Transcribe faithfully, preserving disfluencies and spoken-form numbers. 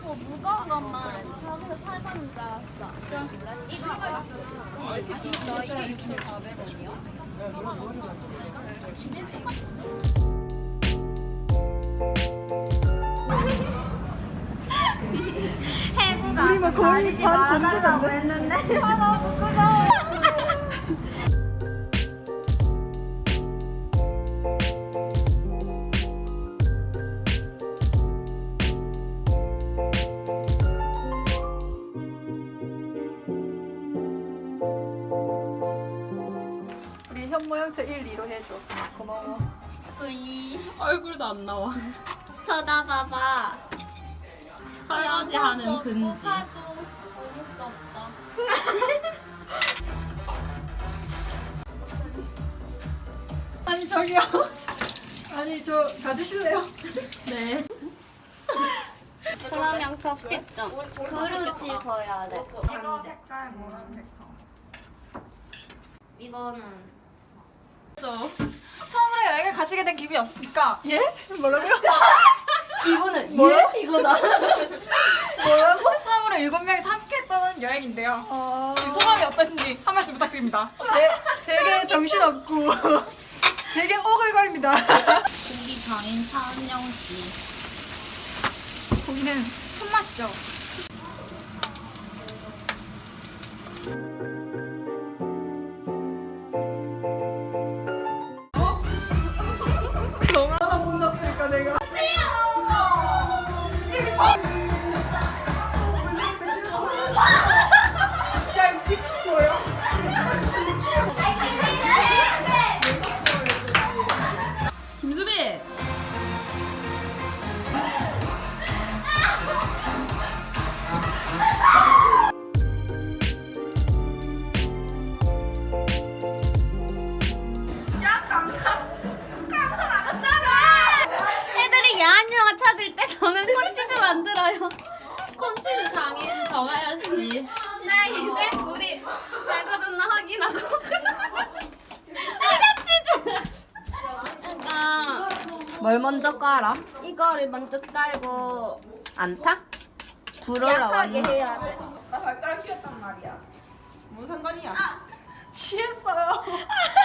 뭐 무거운 것만 저기서 살던 줄 알았어. 이거 뭐야? 너 이게 육천사백 원이야? 해구가 우리 막 거의 반 건조잖아. 했는데 아 너무 부끄러워. 우리 현모양처 일, 이로 해줘. 고마워. 또이 얼굴도 안 나와. 쳐다봐봐. 설거지하는 금지. 사도 어묵도 없다. 아니 저기요. 아니 저 가주실래요? 네. 그러면 접시점. 그릇이 서야 돼. 이거 색깔 뭐랑 색깔? 이거는 처음으로 여행을 가시게 된 기분이 어떻습니까? 예? 뭐라고요? 이거는 뭐야? 예? 이거다. 뭐라고? 처음으로 일곱 명이서 함께 떠는 여행인데요. 어... 지금 소감이 어떠신지 한 말씀 부탁드립니다. 되, 되게 정신없고 되게 오글거립니다. 고기 장인 차은영 씨. 고기는 손맛이죠. 얼마나 못났을까 내가. 야 이거 미친 거야? 김수빈. 애들이 야한 영화 찾을 때 저는 콘치즈 만들어요. 콘치즈 장인 정하연 씨. 나 이제 우리 밝아졌나 확인하고. 이거 치즈. 그러니까 뭘 먼저 깔아? 이거를 먼저 깔고 안 타? 불어라 약하게 왔나? 해야 돼. 나 발가락 휘었단 말이야. 무슨 상관이야? 취했어요.